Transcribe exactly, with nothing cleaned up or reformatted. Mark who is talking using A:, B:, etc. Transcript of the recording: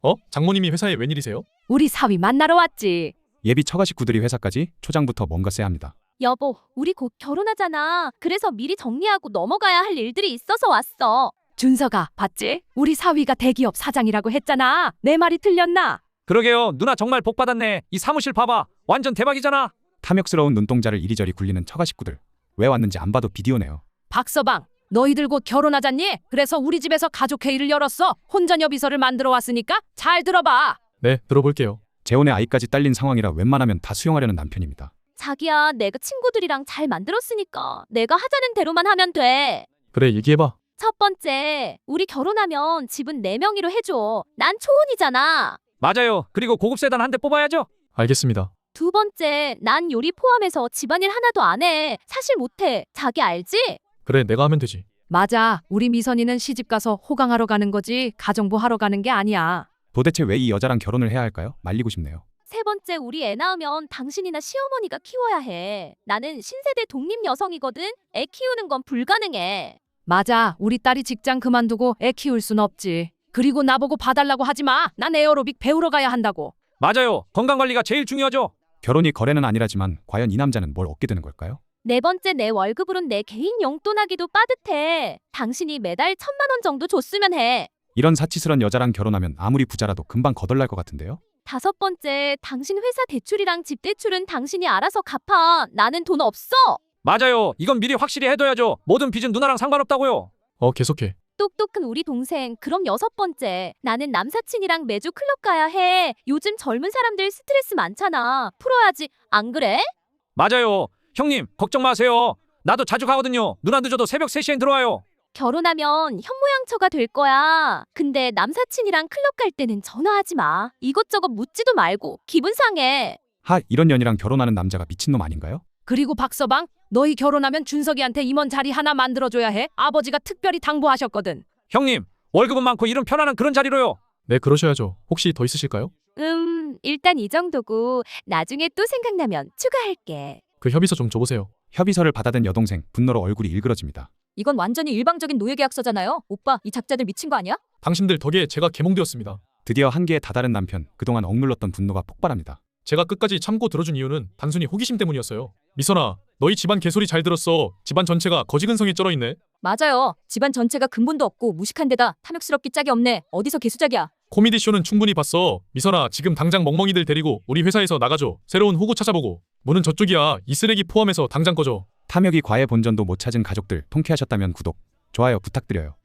A: 어? 장모님이 회사에 웬일이세요?
B: 우리 사위 만나러 왔지.
C: 예비 처가 식구들이 회사까지 초장부터 뭔가 써야 합니다.
D: 여보, 우리 곧 결혼하잖아. 그래서 미리 정리하고 넘어가야 할 일들이 있어서 왔어.
B: 준서가 봤지? 우리 사위가 대기업 사장이라고 했잖아. 내 말이 틀렸나?
E: 그러게요. 누나 정말 복 받았네. 이 사무실 봐봐. 완전 대박이잖아.
C: 탐욕스러운 눈동자를 이리저리 굴리는 처가 식구들. 왜 왔는지 안 봐도 비디오네요.
B: 박서방, 너희들 곧 결혼하잖니? 그래서 우리 집에서 가족회의를 열었어. 혼전여 비서를 만들어 왔으니까 잘 들어봐.
A: 네, 들어볼게요.
C: 재혼에 아이까지 딸린 상황이라 웬만하면 다 수용하려는 남편입니다.
D: 자기야, 내가 친구들이랑 잘 만들었으니까 내가 하자는 대로만 하면 돼.
A: 그래, 얘기해봐.
D: 첫 번째, 우리 결혼하면 집은 내 명의로 해줘. 난 초혼이잖아.
E: 맞아요. 그리고 고급 세단 한 대 뽑아야죠.
A: 알겠습니다.
D: 두 번째, 난 요리 포함해서 집안일 하나도 안 해. 사실 못해. 자기 알지?
A: 그래, 내가 하면 되지.
B: 맞아. 우리 미선이는 시집가서 호강하러 가는 거지 가정부 하러 가는 게 아니야.
C: 도대체 왜 이 여자랑 결혼을 해야 할까요? 말리고 싶네요.
D: 세 번째, 우리 애 낳으면 당신이나 시어머니가 키워야 해. 나는 신세대 독립 여성이거든. 애 키우는 건 불가능해.
B: 맞아. 우리 딸이 직장 그만두고 애 키울 순 없지. 그리고 나보고 봐달라고 하지 마. 난 에어로빅 배우러 가야 한다고.
E: 맞아요. 건강관리가 제일 중요하죠.
C: 결혼이 거래는 아니라지만 과연 이 남자는 뭘 얻게 되는 걸까요?
D: 네 번째, 내 월급으론 내 개인 용돈하기도 빠듯해. 당신이 매달 천만 원 정도 줬으면 해.
C: 이런 사치스런 여자랑 결혼하면 아무리 부자라도 금방 거덜날 것 같은데요?
D: 다섯 번째, 당신 회사 대출이랑 집 대출은 당신이 알아서 갚아. 나는 돈 없어.
E: 맞아요. 이건 미리 확실히 해둬야죠. 모든 빚은 누나랑 상관없다고요.
A: 어, 계속해.
D: 똑똑한 우리 동생. 그럼 여섯 번째, 나는 남사친이랑 매주 클럽 가야 해. 요즘 젊은 사람들 스트레스 많잖아. 풀어야지. 안 그래?
E: 맞아요. 형님, 걱정 마세요. 나도 자주 가거든요. 누나 늦어도 새벽 세 시엔 들어와요.
D: 결혼하면 현모양처가 될 거야. 근데 남사친이랑 클럽 갈 때는 전화하지 마. 이것저것 묻지도 말고 기분 상해.
C: 하, 이런 년이랑 결혼하는 남자가 미친놈 아닌가요?
B: 그리고 박서방, 너희 결혼하면 준석이한테 임원 자리 하나 만들어줘야 해. 아버지가 특별히 당부하셨거든.
E: 형님, 월급은 많고 일은 편안한 그런 자리로요.
A: 네, 그러셔야죠. 혹시 더 있으실까요?
D: 음, 일단 이 정도고 나중에 또 생각나면 추가할게.
A: 그 협의서 좀 줘보세요.
C: 협의서를 받아든 여동생, 분노로 얼굴이 일그러집니다.
F: 이건 완전히 일방적인 노예계약서잖아요. 오빠, 이 작자들 미친 거 아니야?
A: 당신들 덕에 제가 개몽되었습니다.
C: 드디어 한계에 다다른 남편, 그동안 억눌렀던 분노가 폭발합니다.
A: 제가 끝까지 참고 들어준 이유는 단순히 호기심 때문이었어요. 미선아, 너희 집안 개소리 잘 들었어. 집안 전체가 거지근성에 쩔어있네.
F: 맞아요. 집안 전체가 근본도 없고 무식한 데다 탐욕스럽기 짝이 없네. 어디서 개수작이야.
A: 코미디 쇼는 충분히 봤어. 미선아, 지금 당장 멍멍이들 데리고 우리 회사에서 나가줘. 새로운 호구 찾아보고. 문은 저쪽이야. 이 쓰레기 포함해서 당장 꺼져.
C: 탐욕이 과외 본전도 못 찾은 가족들 통쾌하셨다면 구독, 좋아요 부탁드려요.